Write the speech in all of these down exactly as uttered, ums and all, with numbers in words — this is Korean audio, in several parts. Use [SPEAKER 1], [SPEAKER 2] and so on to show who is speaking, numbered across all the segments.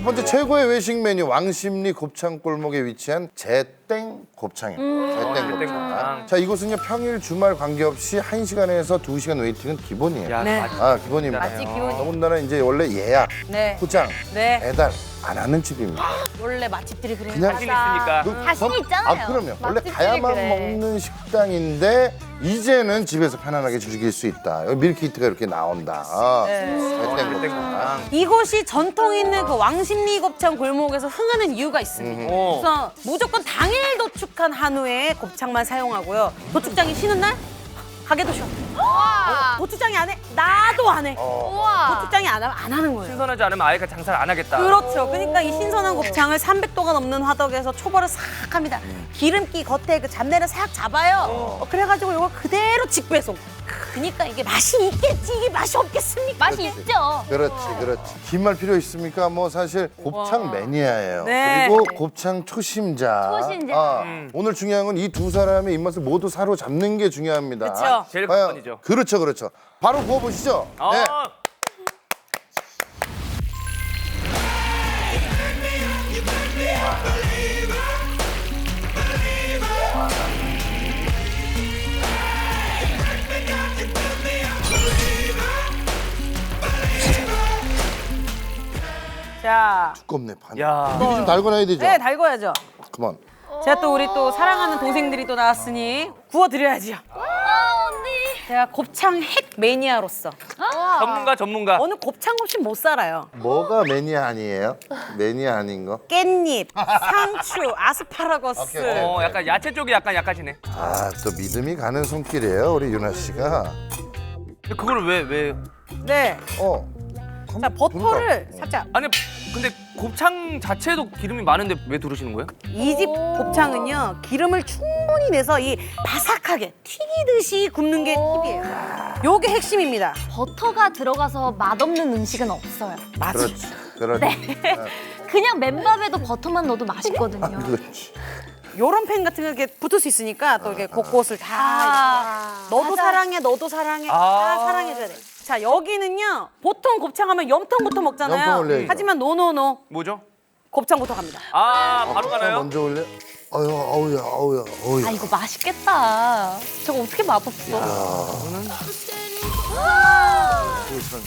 [SPEAKER 1] 번째 최고의 외식 메뉴 왕십리 곱창 골목에 위치한 제땡 곱창입니다.
[SPEAKER 2] 음.
[SPEAKER 1] 제땡 곱창. 자, 이곳은요 평일 주말 관계없이 한 시간에서 두 시간 웨이팅은 기본이에요.
[SPEAKER 2] 야,
[SPEAKER 3] 네.
[SPEAKER 2] 맛있-
[SPEAKER 1] 아 기본입니다.
[SPEAKER 3] 맛집 기본.
[SPEAKER 1] 더군다나 이제 원래 예약,
[SPEAKER 3] 네.
[SPEAKER 1] 포장,
[SPEAKER 3] 네.
[SPEAKER 1] 배달 안 하는 집입니다.
[SPEAKER 3] 원래 맛집들이 그래요.
[SPEAKER 1] 그냥
[SPEAKER 2] 자신 있으니까.
[SPEAKER 1] 그
[SPEAKER 4] 자신
[SPEAKER 1] 점-
[SPEAKER 4] 있잖아요.
[SPEAKER 1] 아 그럼요. 원래
[SPEAKER 4] 맛집들이
[SPEAKER 1] 가야만
[SPEAKER 4] 그래.
[SPEAKER 1] 먹는 식당인데 이제는 집에서 편안하게 즐길 수 있다. 여기 밀키트가 이렇게 나온다. 아, 제땡 곱창.
[SPEAKER 3] 이곳이 전통 있는 그 왕십리 곱창 골목에서 흥하는 이유가 있습니다.
[SPEAKER 2] 어.
[SPEAKER 3] 그래서 무조건 당일 도축한 한우의 곱창만 사용하고요. 도축장이 쉬는 날 가게도 쉬어.
[SPEAKER 4] 우와.
[SPEAKER 3] 도축장이 안 해? 나도 안 해.
[SPEAKER 4] 우와.
[SPEAKER 3] 도축장이 안 하면 안 하는 거예요.
[SPEAKER 2] 신선하지 않으면 아예 장사를 안 하겠다.
[SPEAKER 3] 그렇죠. 그러니까 이 신선한 곱창을 삼백 도가 넘는 화덕에서 초벌을 싹 합니다. 기름기 겉에 그 잡내를 싹 잡아요. 어, 그래가지고 이걸 그대로 직배송. 그러니까 이게 맛이 있겠지 이게 맛이 없겠습니까?
[SPEAKER 4] 맛이 있죠.
[SPEAKER 1] 그렇지, 그렇지. 긴 말 필요 있습니까? 뭐 사실 곱창 매니아예요.
[SPEAKER 3] 네.
[SPEAKER 1] 그리고 곱창 초심자.
[SPEAKER 4] 초심자.
[SPEAKER 1] 아,
[SPEAKER 2] 음.
[SPEAKER 1] 오늘 중요한 건 이 두 사람의 입맛을 모두 사로잡는 게 중요합니다.
[SPEAKER 3] 그쵸.
[SPEAKER 2] 제일
[SPEAKER 1] 과연-
[SPEAKER 2] 관건이죠.
[SPEAKER 1] 그렇죠, 그렇죠. 바로 구워보시죠.
[SPEAKER 2] 아,
[SPEAKER 1] 네.
[SPEAKER 3] 자,
[SPEAKER 1] 두껍네, 반.
[SPEAKER 2] 야.
[SPEAKER 1] 미리 좀 달궈놔야 되죠?
[SPEAKER 3] 네 달궈야죠.
[SPEAKER 1] 그만.
[SPEAKER 3] 제가 또 우리 또 사랑하는 동생들이 또 나왔으니 구워드려야죠.
[SPEAKER 4] 아 언니.
[SPEAKER 3] 제가 곱창 핵 매니아로서
[SPEAKER 2] 전문가 전문가.
[SPEAKER 3] 어느 곱창 없이 못 살아요.
[SPEAKER 1] 뭐가 매니아 아니에요? 매니아 아닌 거?
[SPEAKER 3] 깻잎, 상추, 아스파라거스.
[SPEAKER 1] 오케이, 오케이.
[SPEAKER 2] 어, 약간 야채 쪽이 약간 약하시네.
[SPEAKER 1] 아, 또 믿음이 가는 손길이에요, 우리 유나 씨가.
[SPEAKER 2] 근데 그걸 왜 왜?
[SPEAKER 3] 네.
[SPEAKER 1] 어.
[SPEAKER 3] 자 버터를
[SPEAKER 1] 그러니까.
[SPEAKER 3] 살짝.
[SPEAKER 2] 아니 근데 곱창 자체도 기름이 많은데 왜 두르시는 거예요?
[SPEAKER 3] 이 집 곱창은요 기름을 충분히 내서 이 바삭하게 튀기듯이 굽는 게 팁이에요. 요게 핵심입니다.
[SPEAKER 4] 버터가 들어가서 맛없는 음식은 없어요.
[SPEAKER 3] 맞아.
[SPEAKER 1] 그렇지, 그렇지.
[SPEAKER 3] 네.
[SPEAKER 4] 그냥 맨밥에도 버터만 넣어도 맛있거든요.
[SPEAKER 1] 그렇지.
[SPEAKER 3] 요런 팬 같은 거 이렇게 붙을 수 있으니까 또 이렇게 곳곳을 다
[SPEAKER 4] 아,
[SPEAKER 3] 너도
[SPEAKER 4] 맞아.
[SPEAKER 3] 사랑해, 너도 사랑해, 다
[SPEAKER 2] 아.
[SPEAKER 3] 사랑해줘야 돼. 자 여기는요 보통 곱창하면 염통부터 먹잖아요.
[SPEAKER 1] 염통 올려야죠.
[SPEAKER 3] 하지만 노노노
[SPEAKER 2] 뭐죠?
[SPEAKER 3] 곱창부터 갑니다.
[SPEAKER 2] 아 바로 가나요?
[SPEAKER 1] 먼저 올려. 어휴, 어우야, 어우야, 어우야.
[SPEAKER 4] 아 이거 맛있겠다. 저거 어떻게 맛없어?
[SPEAKER 1] 세선.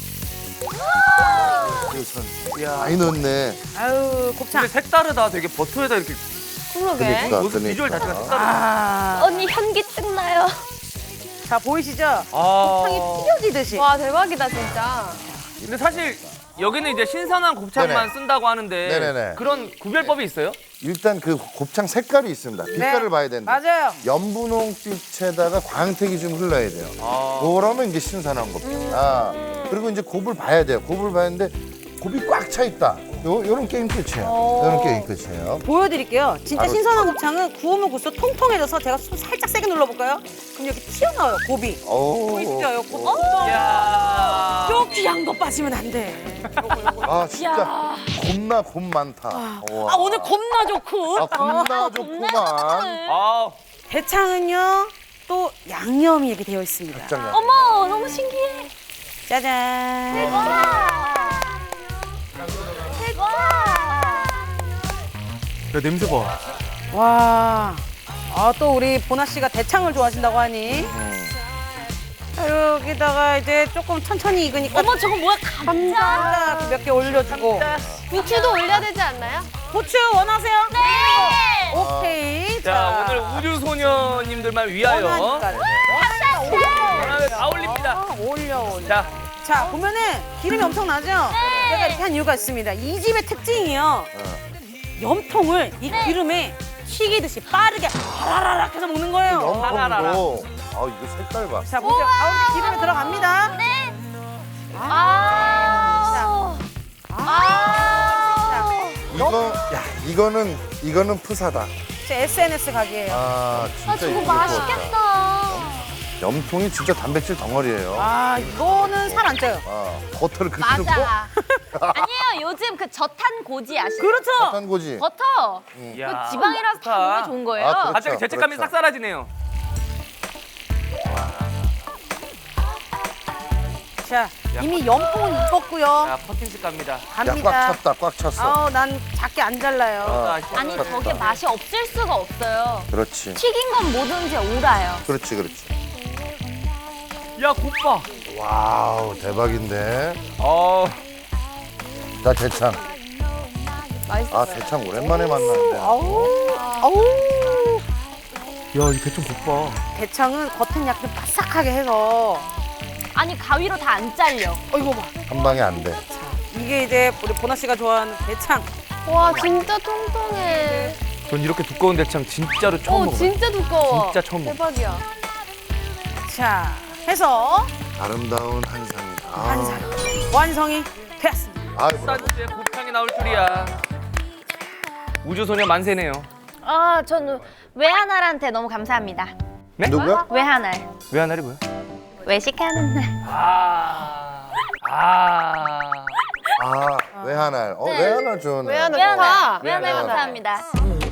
[SPEAKER 1] 세선.
[SPEAKER 2] 이야.
[SPEAKER 1] 많이 넣었네.
[SPEAKER 3] 아유 곱창.
[SPEAKER 2] 근데 색다르다. 되게 버터에다 이렇게
[SPEAKER 4] 그러게.
[SPEAKER 1] 그러니까,
[SPEAKER 2] 모습 비주얼 자체가
[SPEAKER 1] 그러니까.
[SPEAKER 2] 색다르다.
[SPEAKER 3] 아,
[SPEAKER 4] 언니 현기증 나요.
[SPEAKER 3] 자 보이시죠?
[SPEAKER 2] 아.
[SPEAKER 3] 곱창이 튀겨지듯이.
[SPEAKER 4] 와 대박이다 진짜.
[SPEAKER 2] 근데 사실 여기는 이제 신선한 곱창만
[SPEAKER 1] 네네.
[SPEAKER 2] 쓴다고 하는데
[SPEAKER 1] 네네네.
[SPEAKER 2] 그런 구별법이 있어요?
[SPEAKER 1] 일단 그 곱창 색깔이 있습니다. 빛깔을
[SPEAKER 3] 네.
[SPEAKER 1] 봐야 된다.
[SPEAKER 3] 맞아요.
[SPEAKER 1] 연분홍빛에다가 광택이 좀 흘러야 돼요.
[SPEAKER 2] 아.
[SPEAKER 1] 그러면 이제 신선한 겁니다. 그리고 이제 곱을 봐야 돼요. 곱을 봐야 되는데 곱이 꽉 차 있다. 요, 요런 게임 끝이에요. 요런 게임 끝이에요.
[SPEAKER 3] 보여드릴게요. 진짜
[SPEAKER 1] 바로-
[SPEAKER 3] 신선한 곱창은 구우면 구울수록 통통해져서 제가 손 살짝 세게 눌러볼까요? 그럼 여기 튀어나와요 곱이.
[SPEAKER 1] 오.
[SPEAKER 3] 보이시죠? 요 곱.
[SPEAKER 2] 이야.
[SPEAKER 3] 요 귀한 거 빠지면 안 돼.
[SPEAKER 1] 아 진짜 겁나 곱 많다. 우와.
[SPEAKER 3] 아 오늘 겁나 좋고.
[SPEAKER 1] 아, 겁나 좋구만.
[SPEAKER 2] 아.
[SPEAKER 3] 대창은요 또 양념이 이렇게 되어 있습니다.
[SPEAKER 1] 짱이야.
[SPEAKER 4] 어머 너무 신기해.
[SPEAKER 3] 짜잔.
[SPEAKER 4] 와. 대박.
[SPEAKER 2] 야 냄새 봐.
[SPEAKER 3] 와. 아 또 우리 보나 씨가 대창을 좋아하신다고 하니. 자, 여기다가 이제 조금 천천히 익으니까
[SPEAKER 4] 어머 저거 뭐야 감자.
[SPEAKER 3] 감자 몇 개 올려주고.
[SPEAKER 4] 부추도 올려야 되지 않나요?
[SPEAKER 3] 고추 원하세요?
[SPEAKER 4] 네.
[SPEAKER 3] 오케이.
[SPEAKER 2] 자 오늘 우주 소녀님들만 위하여
[SPEAKER 3] 원하니까. 원하니까
[SPEAKER 2] 다 올립니다.
[SPEAKER 3] 올려 올려.
[SPEAKER 2] 자.
[SPEAKER 3] 자 보면은 기름이 엄청 나죠? 제가 이렇게 한 이유가 있습니다. 이 집의 특징이요. 염통을 이 기름에 튀기듯이 빠르게 하라라락 해서 먹는 거예요.
[SPEAKER 2] 하라라라.
[SPEAKER 1] 염통도. 아 이거 색깔 봐.
[SPEAKER 3] 자 보세요. 가운데 기름이 들어갑니다.
[SPEAKER 4] 네. 아. 아.
[SPEAKER 1] 이거 야 이거는 이거는 푸사다.
[SPEAKER 3] 제 에스엔에스 각이에요.
[SPEAKER 1] 아 진짜
[SPEAKER 4] 아 저거
[SPEAKER 1] 이쁘게 구웠다.
[SPEAKER 4] 맛있겠다.
[SPEAKER 1] 염통이 진짜 단백질 덩어리예요.
[SPEAKER 3] 아 이거는 살 안 쪄요.
[SPEAKER 1] 아, 버터를 그렇게 넣고
[SPEAKER 4] 맞아. 아니에요 요즘 그 저탄 고지 아시죠?
[SPEAKER 3] 그렇죠.
[SPEAKER 1] 한 거지.
[SPEAKER 4] 버터.
[SPEAKER 2] 이야.
[SPEAKER 4] 그 지방이라서 다 몸에 좋은 거예요.
[SPEAKER 1] 아, 그렇죠.
[SPEAKER 2] 갑자기 죄책감이
[SPEAKER 1] 그렇죠.
[SPEAKER 2] 싹 사라지네요.
[SPEAKER 3] 자, 이미 연봉은 입었고요.
[SPEAKER 2] 자, 퍼킨스 갑니다.
[SPEAKER 1] 야, 꽉
[SPEAKER 3] 갑니다.
[SPEAKER 1] 찼다, 꽉 찼어.
[SPEAKER 3] 아우, 난 작게 안 잘라요.
[SPEAKER 1] 아,
[SPEAKER 4] 아니 저게 맛이 없을 수가 없어요.
[SPEAKER 1] 그렇지.
[SPEAKER 4] 튀긴 건 뭐든지 오라요.
[SPEAKER 1] 그렇지, 그렇지.
[SPEAKER 2] 야, 곱봐.
[SPEAKER 1] 와우, 대박인데.
[SPEAKER 2] 어,
[SPEAKER 1] 자, 대창. 아, 대창 오랜만에 만나는데.
[SPEAKER 3] 아우, 아우.
[SPEAKER 2] 야, 이 대충 곱봐.
[SPEAKER 3] 대창은 겉은 약간 바삭하게 해서.
[SPEAKER 4] 아니 가위로 다 안 잘려.
[SPEAKER 3] 어, 이거 봐.
[SPEAKER 1] 한 방에 안 돼.
[SPEAKER 3] 이게 이제 우리 보나 씨가 좋아하는 대창.
[SPEAKER 5] 와 진짜 통통해.
[SPEAKER 2] 전 이렇게 두꺼운 대창 진짜로 처음
[SPEAKER 5] 어
[SPEAKER 2] 먹어요.
[SPEAKER 5] 진짜 두꺼워.
[SPEAKER 2] 진짜 처음 먹어.
[SPEAKER 5] 대박이야.
[SPEAKER 3] 자, 해서
[SPEAKER 1] 아름다운 한상이다. 아,
[SPEAKER 3] 완성. 완성이 되었습니다.
[SPEAKER 1] 아이, 브라보.
[SPEAKER 2] 쌀국수에 곱창이 나올 줄이야. 우주소녀 만세네요.
[SPEAKER 4] 아 저는 외하날한테 너무 감사합니다.
[SPEAKER 2] 네?
[SPEAKER 1] 누구야?
[SPEAKER 4] 외하날.
[SPEAKER 2] 왜 하나리 뭐야?
[SPEAKER 4] 외식하는 날.
[SPEAKER 2] 아, 아.
[SPEAKER 1] 아, 외하날. 어,
[SPEAKER 4] 네.
[SPEAKER 1] 외하날 좋네.
[SPEAKER 5] 외하날
[SPEAKER 4] 외하날.
[SPEAKER 5] 좋다.
[SPEAKER 4] 외하날
[SPEAKER 1] 외하날.
[SPEAKER 4] 감사합니다.